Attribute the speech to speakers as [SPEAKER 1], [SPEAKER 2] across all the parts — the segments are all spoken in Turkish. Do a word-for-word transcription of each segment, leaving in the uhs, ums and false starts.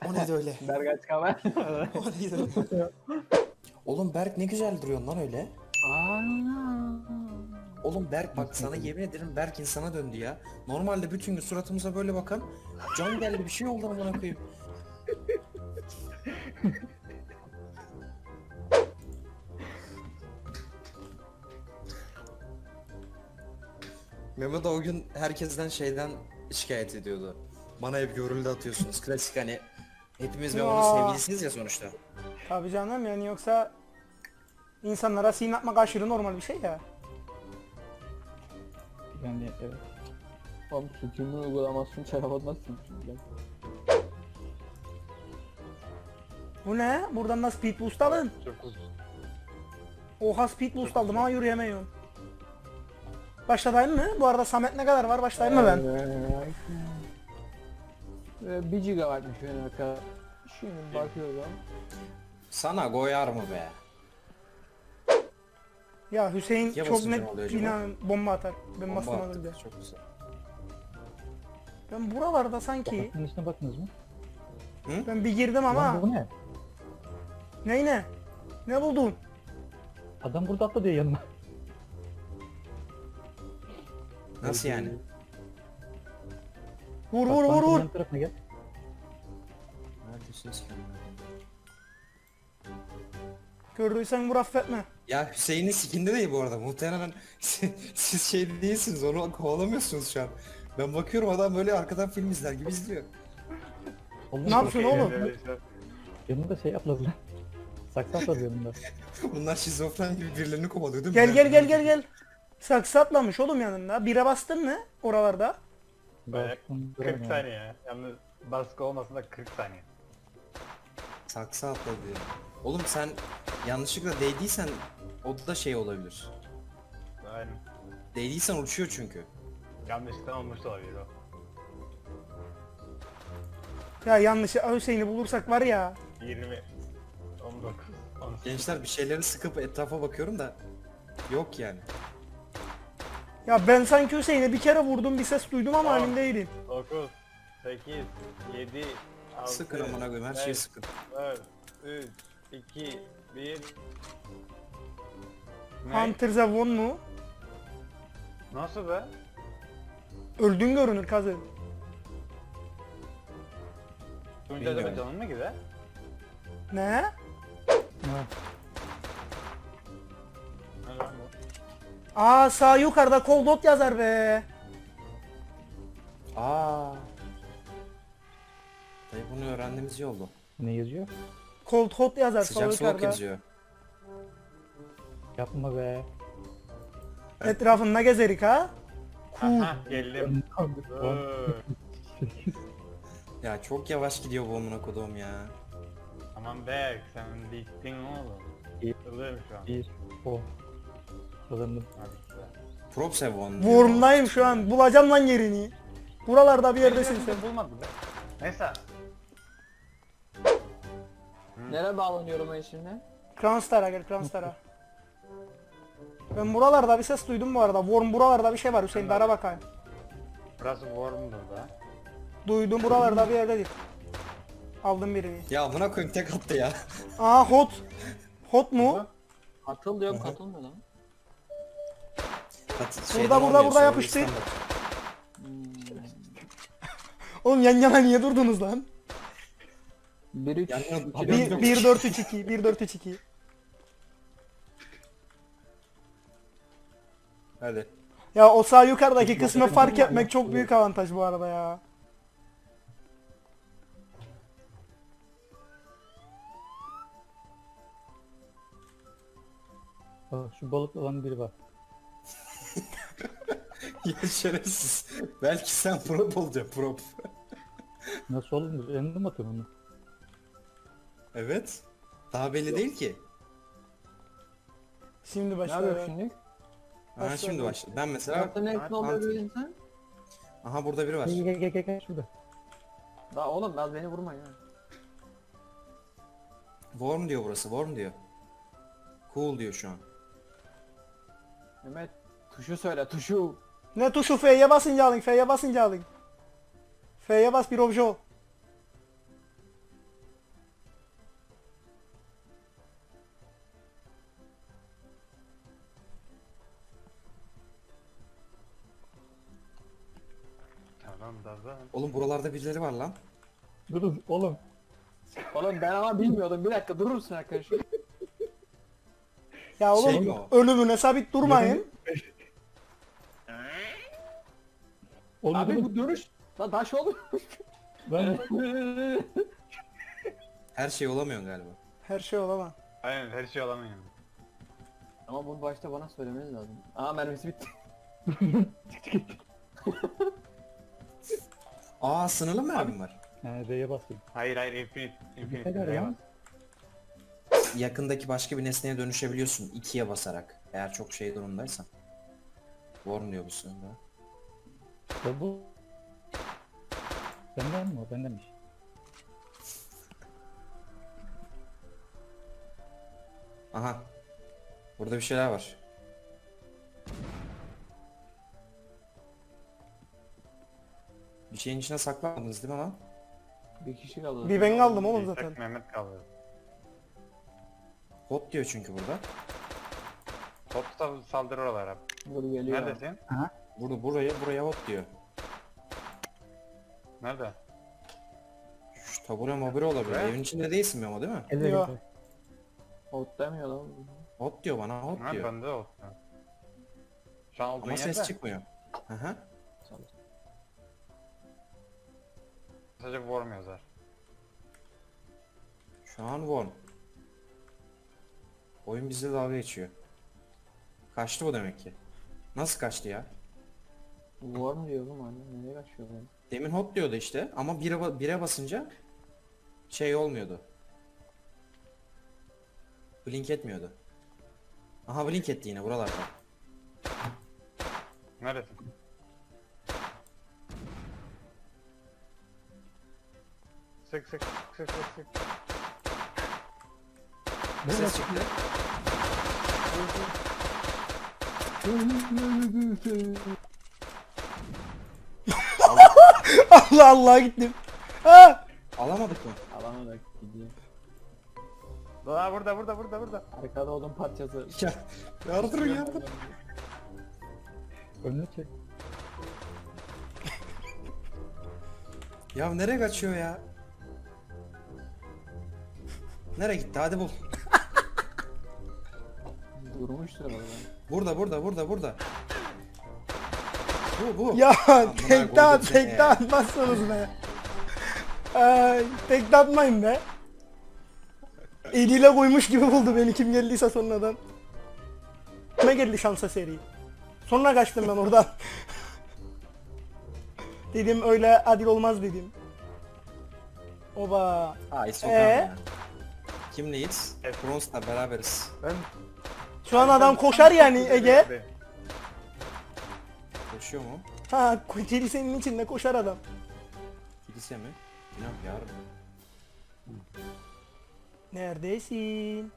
[SPEAKER 1] O neydi öyle?
[SPEAKER 2] Berk aç kamera.
[SPEAKER 1] O neydi öyle? Oğlum Berk ne güzel duruyorsun lan öyle. Oğlum Berk bak sana yemin ederim Berk insana döndü ya. Normalde bütün gün suratımıza böyle bakan can geldi bir şey oldu amına koyayım. Mehmet o gün herkesten şeyden şikayet ediyordu. Bana hep görüldü atıyorsunuz. Klasik hani hepimiz Memo'nun
[SPEAKER 3] Ya.
[SPEAKER 1] sevgilisiniz ya sonuçta.
[SPEAKER 3] Tabii canım, yani yoksa insanlara sin atmak aşırı normal bir şey ya.
[SPEAKER 2] Yani evet. Oğlum suçumu uygulamazsın, çarap atmazsın çünkü.
[SPEAKER 3] Bu ne? Buradan da speed boost alın. Oha, speed boost aldım ama yürüyemiyorum. Başladayım mı? Bu arada Samet ne kadar var? Başlayayım mı ben?
[SPEAKER 2] Ee, bir gigabaytmış benim arkadaşlar. Şimdi bakıyorum.
[SPEAKER 1] Sana koyar mı be?
[SPEAKER 3] Ya Hüseyin
[SPEAKER 1] Ya
[SPEAKER 3] çok
[SPEAKER 1] basınca
[SPEAKER 3] net
[SPEAKER 1] ne oluyor acaba?
[SPEAKER 3] inan bomba atar. Ben
[SPEAKER 1] Bomba
[SPEAKER 3] bastım az
[SPEAKER 1] attık,
[SPEAKER 3] önce.
[SPEAKER 1] çok güzel.
[SPEAKER 3] Ben buralarda sanki
[SPEAKER 4] Bakın üstüne baktınız mı?
[SPEAKER 3] ben bir girdim ama
[SPEAKER 4] Lan bu ne?
[SPEAKER 3] ney ne? Ne buldun?
[SPEAKER 4] Adam burada atla diyor yanıma.
[SPEAKER 1] Nasıl yani?
[SPEAKER 3] Vur
[SPEAKER 4] Bak,
[SPEAKER 3] vur vur
[SPEAKER 4] bankın
[SPEAKER 3] vur.
[SPEAKER 4] yan tarafına gel.
[SPEAKER 1] Neredesiniz ki?
[SPEAKER 3] Gördüysen vur, affetme.
[SPEAKER 1] Ya Hüseyin'in sikinde değil bu arada. Muhtemelen siz şey değilsiniz. Onu kovalamıyorsunuz şu an. Ben bakıyorum adam böyle arkadan film izler gibi izliyor.
[SPEAKER 4] Oğlum,
[SPEAKER 3] Ne yapıyorsun oğlum?
[SPEAKER 4] Yanımda şey atladı lan. Saksı atladı yanımda.
[SPEAKER 1] Bunlar şizofren gibi birilerini kovalıyor değil mi?
[SPEAKER 3] Gel gel gel gel gel. Saksı atlamış oğlum yanında. Bire bastın mı oralarda?
[SPEAKER 5] Bayağı
[SPEAKER 4] Baktım,
[SPEAKER 5] kırk
[SPEAKER 4] duramıyorum.
[SPEAKER 5] saniye. Yalnız baskı olmasın da kırk saniye.
[SPEAKER 1] Saksı atladı diyor. Oğlum sen yanlışlıkla değdiysen o da şey olabilir.
[SPEAKER 5] Aynen.
[SPEAKER 1] Değdiysen uçuyor çünkü.
[SPEAKER 5] Yanlışlıkla olmuş da olabilir o.
[SPEAKER 3] Ya yanlış Hüseyin'i bulursak var ya.
[SPEAKER 5] yirmi, on dokuz, on sekiz.
[SPEAKER 1] Gençler bir şeyleri sıkıp etrafa bakıyorum da yok yani.
[SPEAKER 3] Ya ben sanki Hüseyin'e bir kere vurdum, bir ses duydum ama
[SPEAKER 5] Aa.
[SPEAKER 3] emin değilim.
[SPEAKER 5] dokuz, sekiz, yedi, altı,
[SPEAKER 1] Sıkın amına koyayım her şeyi
[SPEAKER 5] beş,
[SPEAKER 1] sıkın.
[SPEAKER 5] dört, üç, iki, bir. Ne?
[SPEAKER 3] Hunter Zevon mu?
[SPEAKER 5] Nasıl be?
[SPEAKER 3] Öldün görünür kazı.
[SPEAKER 5] Tuncay'da
[SPEAKER 1] Bilmiyorum.
[SPEAKER 5] bir canın mı gider?
[SPEAKER 3] Ne?
[SPEAKER 4] Ha,
[SPEAKER 5] Ne lan bu?
[SPEAKER 3] Aa, sağ yukarıda Cold Hot yazar be.
[SPEAKER 1] Aa. Dayı bunu öğrendiğimiz iyi oldu.
[SPEAKER 4] ne yazıyor?
[SPEAKER 3] Cold Hot yazar sağ
[SPEAKER 1] Sıcak soğuk
[SPEAKER 3] yukarıda.
[SPEAKER 1] yazıyor.
[SPEAKER 4] Yapma be.
[SPEAKER 3] Etrafında gezerik ha. Cool.
[SPEAKER 5] Aha geldim. Dur.
[SPEAKER 1] Ya çok yavaş gidiyor bu amına kodum ya.
[SPEAKER 5] Aman Berk sen bittin oğlum.
[SPEAKER 4] İyi.
[SPEAKER 5] Yıldırım şu an.
[SPEAKER 4] Bir, o. Kazandım.
[SPEAKER 5] Hadi güzel.
[SPEAKER 1] Prop Sevon. diyor.
[SPEAKER 3] Worm'dayım şu an. Bulacağım lan yerini. Buralarda bir yerdesin sen.
[SPEAKER 5] Sen bulmadı be. Neyse.
[SPEAKER 2] Nereye bağlanıyorum ben şimdi?
[SPEAKER 3] Kranstara gel, Kranstara. Ben buralarda bir ses duydum bu arada. Worm buralarda bir şey var Hüseyin, dara bakayım.
[SPEAKER 5] Burası Worm'dur da.
[SPEAKER 3] Duydum buralarda bir yerdedir. Aldım birini.
[SPEAKER 1] Ya amına koyayım tek attı ya.
[SPEAKER 3] Aa, hot. Hot mu?
[SPEAKER 2] Katıl diyorum, katılmıyor lan.
[SPEAKER 1] Hadi,
[SPEAKER 3] Burada,
[SPEAKER 1] şeyden
[SPEAKER 3] burada,
[SPEAKER 1] olmuyor,
[SPEAKER 3] burada
[SPEAKER 1] sonra
[SPEAKER 3] yapıştı.
[SPEAKER 1] İstanbul.
[SPEAKER 3] Oğlum yan yana niye durdunuz lan?
[SPEAKER 2] bir üç
[SPEAKER 1] Yani
[SPEAKER 2] iki
[SPEAKER 1] bir-
[SPEAKER 2] dört
[SPEAKER 3] bir dört üç iki bir dört üç iki.
[SPEAKER 1] Hadi.
[SPEAKER 3] Ya o sağ yukarıdaki kısmı fark etmek çok büyük avantaj bu arada ya.
[SPEAKER 4] Aa, şu balıklı olan biri var.
[SPEAKER 1] Ya şerefsiz. Belki sen prop olacaksın prop.
[SPEAKER 4] Nasıl olur? Elinde mi atıyorsun onu?
[SPEAKER 1] Evet. Daha belli değil ki.
[SPEAKER 3] Şimdi
[SPEAKER 2] Ne yapıyor
[SPEAKER 3] başlıyor.
[SPEAKER 2] şimdi?
[SPEAKER 1] Ha
[SPEAKER 3] Başla.
[SPEAKER 1] şimdi başla. Ben mesela
[SPEAKER 2] Yaptığın ne oluyor
[SPEAKER 1] Hunter.
[SPEAKER 2] bir insan?
[SPEAKER 1] aha burada biri var.
[SPEAKER 4] Gel gel gel gel gel şurada.
[SPEAKER 2] Daha oğlum az beni vurma ya.
[SPEAKER 1] Worm diyor burası. Worm diyor. Cool diyor şu an.
[SPEAKER 2] Mehmet tuşu söyle, tuşu.
[SPEAKER 3] Ne tuşu? F'ye basınca alın, F'ye basınca alın. F'ye bas, bir obje ol.
[SPEAKER 5] Lan da da.
[SPEAKER 1] Oğlum buralarda birileri var lan.
[SPEAKER 4] Durun oğlum.
[SPEAKER 2] Oğlum ben ama bilmiyordum. Bir dakika durur musun arkadaşım?
[SPEAKER 3] Ya oğlum
[SPEAKER 1] Şey mi o?
[SPEAKER 3] ölümüne sabit durmayın.
[SPEAKER 4] Oğlum
[SPEAKER 2] Abi
[SPEAKER 4] durun.
[SPEAKER 2] bu dönüş. Lan taş olur.
[SPEAKER 4] Ben
[SPEAKER 1] Her şey olamıyorsun galiba.
[SPEAKER 3] Her şey olamaz.
[SPEAKER 5] Aynen her şey alamıyor.
[SPEAKER 2] Ama bunu başta bana söylemeniz lazım. Aa mermisi bitti.
[SPEAKER 1] Aa sınırlı mı mermim var?
[SPEAKER 4] He D'ye basayım.
[SPEAKER 5] Hayır hayır infinite.
[SPEAKER 4] Ne
[SPEAKER 5] Infinite.
[SPEAKER 4] kadar ya?
[SPEAKER 1] Yakındaki başka bir nesneye dönüşebiliyorsun ikiye basarak. Eğer çok şey durumdaysan. Warm diyor bu sırada.
[SPEAKER 4] Ya bu... Benden mi o? Bendenmiş.
[SPEAKER 1] Aha. Burada bir şeyler var. Bir şeyin içine saklanmadınız değil mi lan?
[SPEAKER 2] Bir kişi kaldı.
[SPEAKER 3] Bir ben kaldım oğlum
[SPEAKER 5] İshak
[SPEAKER 3] zaten.
[SPEAKER 5] Mehmet kaldı.
[SPEAKER 1] Hot diyor çünkü burada.
[SPEAKER 5] Top da saldırıyorlar hep.
[SPEAKER 2] Dur geliyor.
[SPEAKER 5] Neredesin?
[SPEAKER 1] Burada buraya buraya hot diyor.
[SPEAKER 5] Nerede?
[SPEAKER 1] Şu tabure mabure olabilir.
[SPEAKER 5] Ne?
[SPEAKER 1] Evin içinde değilsin mi ama değil mi?
[SPEAKER 4] Elde
[SPEAKER 3] Yok.
[SPEAKER 4] elde.
[SPEAKER 2] Ot demiyor lan.
[SPEAKER 1] Hot diyor bana hot
[SPEAKER 5] Ha
[SPEAKER 1] diyor.
[SPEAKER 5] bende o. Şu an olduğun
[SPEAKER 1] Ama ses
[SPEAKER 5] yerde.
[SPEAKER 1] çıkmıyor. Aha.
[SPEAKER 5] Sadece warm yazar.
[SPEAKER 1] Şu an warm. Oyun bizle dalga geçiyor. Kaçtı bu demek ki. Nasıl kaçtı ya?
[SPEAKER 2] Var mı diyor oğlum anne? Nereye kaçıyor lan?
[SPEAKER 1] Demin hot diyordu işte ama bire, ba- bire basınca şey olmuyordu. Blink etmiyordu. Aha blink etti yine buralarda.
[SPEAKER 5] Neredesin? Sık sık sık sık sık.
[SPEAKER 1] Ses çıktı.
[SPEAKER 3] Allah Allah gittim. Ha!
[SPEAKER 1] Alamadık mı?
[SPEAKER 2] Alamadık gidiyor.
[SPEAKER 5] Aa burada burada burada burada.
[SPEAKER 2] Arkada odun parçası.
[SPEAKER 1] Ya yardırın yardır.
[SPEAKER 4] Önüne çek.
[SPEAKER 1] Ya nereye kaçıyor ya? Nereye gitti hadi bul.
[SPEAKER 2] Durmuştur orada.
[SPEAKER 1] Burada burada burada burada. Bu bu.
[SPEAKER 3] Ya
[SPEAKER 1] Amına
[SPEAKER 3] tekte at
[SPEAKER 1] koydum seni
[SPEAKER 3] tekte
[SPEAKER 1] ya.
[SPEAKER 3] atmazsınız be. Ay tekte atmayın be. Eliyle koymuş gibi buldu beni kim geldiyse sonradan. Kime geldi şansa seri. Sonra kaçtım ben oradan. Dedim öyle adil olmaz dedim. Oba.
[SPEAKER 1] Ay sokağım
[SPEAKER 3] Ee?
[SPEAKER 1] ya. Kimleyiz?
[SPEAKER 5] Evet.
[SPEAKER 1] Bronze'la beraberiz.
[SPEAKER 5] Ben
[SPEAKER 3] Şu an adam koşar yani Ege.
[SPEAKER 1] Koşuyor mu?
[SPEAKER 3] Ha kilisenin içinde koşar adam.
[SPEAKER 1] Kilise mi? Günah yarım.
[SPEAKER 3] Neredesin?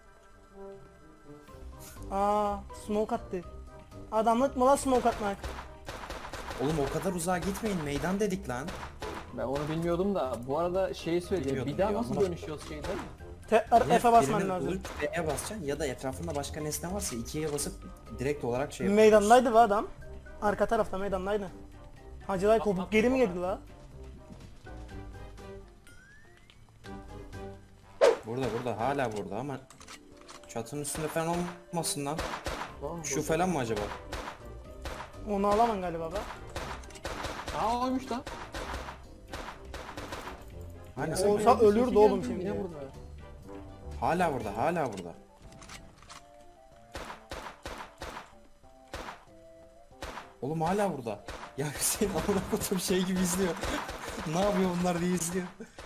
[SPEAKER 3] Aa, smoke attı. Adamlık mı lan smoke atmak?
[SPEAKER 1] Oğlum o kadar uzağa gitmeyin meydan dedik lan.
[SPEAKER 2] Ben onu bilmiyordum da bu arada şeyi söyleyeceğim.
[SPEAKER 1] Bilmiyordum
[SPEAKER 2] Bir daha
[SPEAKER 1] diyor
[SPEAKER 2] nasıl
[SPEAKER 1] ama.
[SPEAKER 2] dönüşüyoruz şeyden?
[SPEAKER 3] Tekrar
[SPEAKER 1] Ya
[SPEAKER 3] F'e basman
[SPEAKER 1] birinin
[SPEAKER 3] lazım.
[SPEAKER 1] bulup B'ye basacaksın ya da etrafında başka nesne varsa ikiye basıp direkt olarak şey yapıyorsun.
[SPEAKER 3] Meydandaydı bu adam. Arka tarafta meydandaydı. Hacılar kopup geri mi geldi la?
[SPEAKER 1] Burada burada hala burada ama çatının üstünde falan olmasın lan.
[SPEAKER 2] Tamam,
[SPEAKER 1] Şu falan mı acaba?
[SPEAKER 3] Onu alamam galiba be.
[SPEAKER 2] Aa oymuş lan.
[SPEAKER 1] Hani
[SPEAKER 3] O-
[SPEAKER 1] sen-
[SPEAKER 3] Olsa
[SPEAKER 2] Sesi
[SPEAKER 3] ölürdü
[SPEAKER 2] geldi,
[SPEAKER 3] oğlum
[SPEAKER 2] yine
[SPEAKER 3] şimdi.
[SPEAKER 2] burada.
[SPEAKER 1] hala burada hala burada. Oğlum hala burada. Ya Hüseyin amına koyduğum şey gibi izliyor. Ne yapıyor bunlar diye izliyor.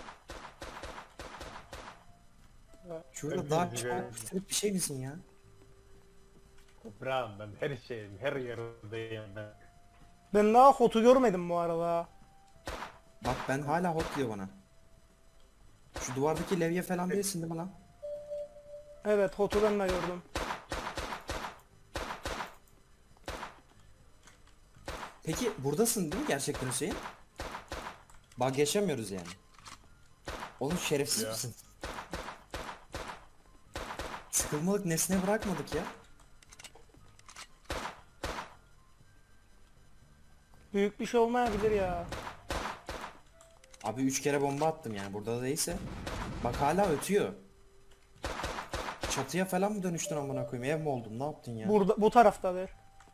[SPEAKER 1] Şurada daha çok bir şey misin ya?
[SPEAKER 5] Toprağım ben her şeyim her yerdeyim ben.
[SPEAKER 3] Ben daha Hot'u görmedim bu arada.
[SPEAKER 1] Bak ben hala hot diyor bana. Şu duvardaki levye falan değilsin değil mi lan?
[SPEAKER 3] Evet Hot'u ben de gördüm.
[SPEAKER 1] Peki buradasın değil mi gerçekten Hüseyin? Bak yaşamıyoruz yani. Oğlum şerefsiz
[SPEAKER 5] Ya.
[SPEAKER 1] misin? Sıkılmalık nesne bırakmadık ya.
[SPEAKER 3] Büyük bir şey olmayabilir ya.
[SPEAKER 1] Abi üç kere bomba attım yani burada da değilse. Bak hala ötüyor. Çatıya falan mı dönüştün amına koyayım? Ev mi oldun? Ne yaptın ya?
[SPEAKER 3] Burada bu taraftadır.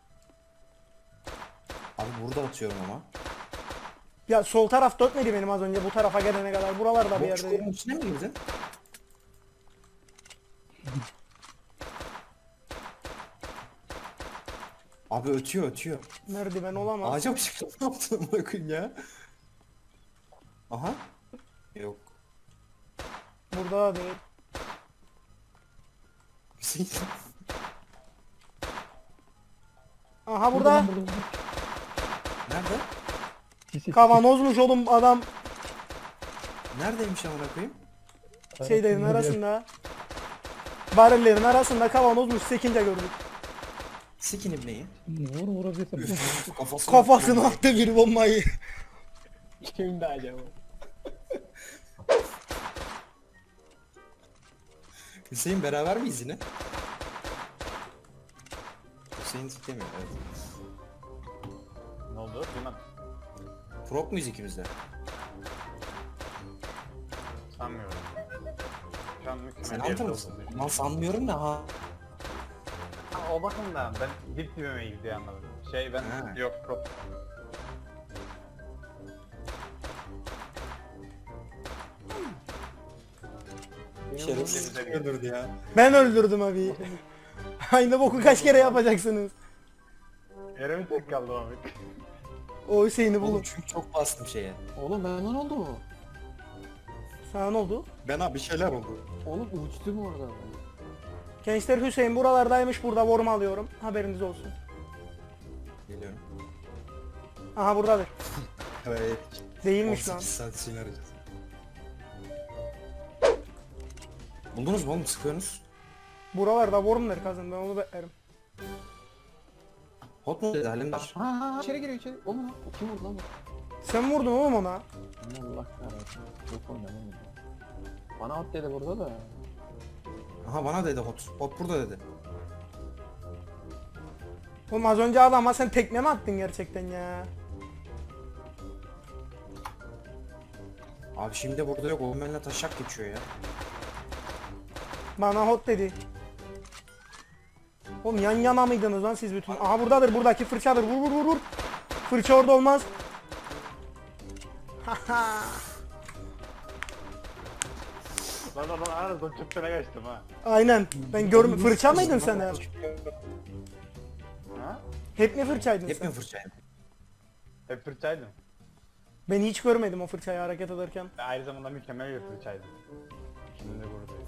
[SPEAKER 1] Abi burada atıyorum ama.
[SPEAKER 3] Ya sol taraf dörtmedi benim az önce bu tarafa gelene kadar. Buralarda bir
[SPEAKER 1] Boş
[SPEAKER 3] yerde.
[SPEAKER 1] çukurun içine mi girdin? Abi ötüyor ötüyor.
[SPEAKER 3] Merdiven olamaz.
[SPEAKER 1] Ağaca mı çıktın? Ne yaptın amına koyayım ya? Aha. Yok.
[SPEAKER 3] Burada da değil.
[SPEAKER 1] Hüseyin.
[SPEAKER 3] Aha burada.
[SPEAKER 1] Nerede?
[SPEAKER 4] Sisi,
[SPEAKER 3] Kavanozmuş oğlum adam
[SPEAKER 1] Neredeymiş amına koyayım?
[SPEAKER 3] şeylerin arasında. Barillerin arasında kavanozmuş sekince gördük.
[SPEAKER 1] Sikin ibneyi.
[SPEAKER 4] Vur vurabilirsin.
[SPEAKER 1] Üf, kafasına
[SPEAKER 3] Kafasına
[SPEAKER 1] attım.
[SPEAKER 3] attı bir bombayı.
[SPEAKER 2] Kimdi acaba?
[SPEAKER 1] Hüseyin beraber miyiz yine? Hüseyin siklemiyor evet.
[SPEAKER 5] Ne oldu? Duymadım.
[SPEAKER 1] Prop muyuz ikimiz de?
[SPEAKER 5] Sanmıyorum. Şu an
[SPEAKER 1] Sen
[SPEAKER 5] mükemmel
[SPEAKER 1] antar
[SPEAKER 5] yerde
[SPEAKER 1] mısın?
[SPEAKER 5] olduğunu
[SPEAKER 1] Lan sanmıyorum da ha.
[SPEAKER 5] Ha, o bakımdan ben dip dibime gidiyor anladım. Şey ben
[SPEAKER 1] Ha.
[SPEAKER 5] yok prop.
[SPEAKER 1] Şerefsiz
[SPEAKER 5] Benim-
[SPEAKER 1] öldürdü ya.
[SPEAKER 3] Ben öldürdüm abi. Aynı boku kaç kere yapacaksınız?
[SPEAKER 5] Yere mi tek kaldı Ahmet?
[SPEAKER 3] O Hüseyin'i
[SPEAKER 1] Oğlum
[SPEAKER 3] bulun.
[SPEAKER 1] çünkü çok bastım şeye.
[SPEAKER 2] Oğlum benden oldu mu?
[SPEAKER 3] Sana ne oldu?
[SPEAKER 1] Ben abi bir şeyler oldu.
[SPEAKER 2] Oğlum uçtum orada.
[SPEAKER 3] Gençler Hüseyin buralardaymış burada vorma alıyorum. Haberiniz olsun.
[SPEAKER 1] Geliyorum.
[SPEAKER 3] Aha buradadır.
[SPEAKER 1] Evet.
[SPEAKER 3] Değilmiş lan.
[SPEAKER 1] on sekiz saat Hüseyin'i arayacağız. Buldunuz mu oğlum sıkıyorsunuz?
[SPEAKER 3] Buralarda wormler kazın ben onu beklerim.
[SPEAKER 1] Hot mu dedi Halimdar?
[SPEAKER 2] Ha içeri giriyor içeri. Oğlum lan, kim vurdu lan bu?
[SPEAKER 3] Sen vurdun oğlum ona.
[SPEAKER 2] Allah kahretsin. Yok oynamam. Bana at dedi burada da.
[SPEAKER 1] Aha bana dedi hot. Hot burada dedi.
[SPEAKER 3] Oğlum az önce adama sen tekme mi attın gerçekten ya?
[SPEAKER 1] Abi şimdi burada yok. Oğlum benimle taşak geçiyor ya.
[SPEAKER 3] Bana hot dedi. Oğlum yan yana mıydınız lan siz bütün? Aha buradadır buradaki fırçadır vur vur vur vur. Fırça orada olmaz. Haha.
[SPEAKER 5] Lan lan lan aradan çöptene kaçtım ha.
[SPEAKER 3] Aynen. Ben görme fırça mıydın sen ya?
[SPEAKER 5] Ha?
[SPEAKER 3] Hep mi fırçaydın
[SPEAKER 1] Hep
[SPEAKER 3] sen?
[SPEAKER 1] mi fırçayım?
[SPEAKER 5] Hep fırçaydım.
[SPEAKER 3] Ben hiç görmedim o fırçayı hareket ederken.
[SPEAKER 5] Ve aynı zamanda mükemmel bir fırçaydım. Şimdi burada.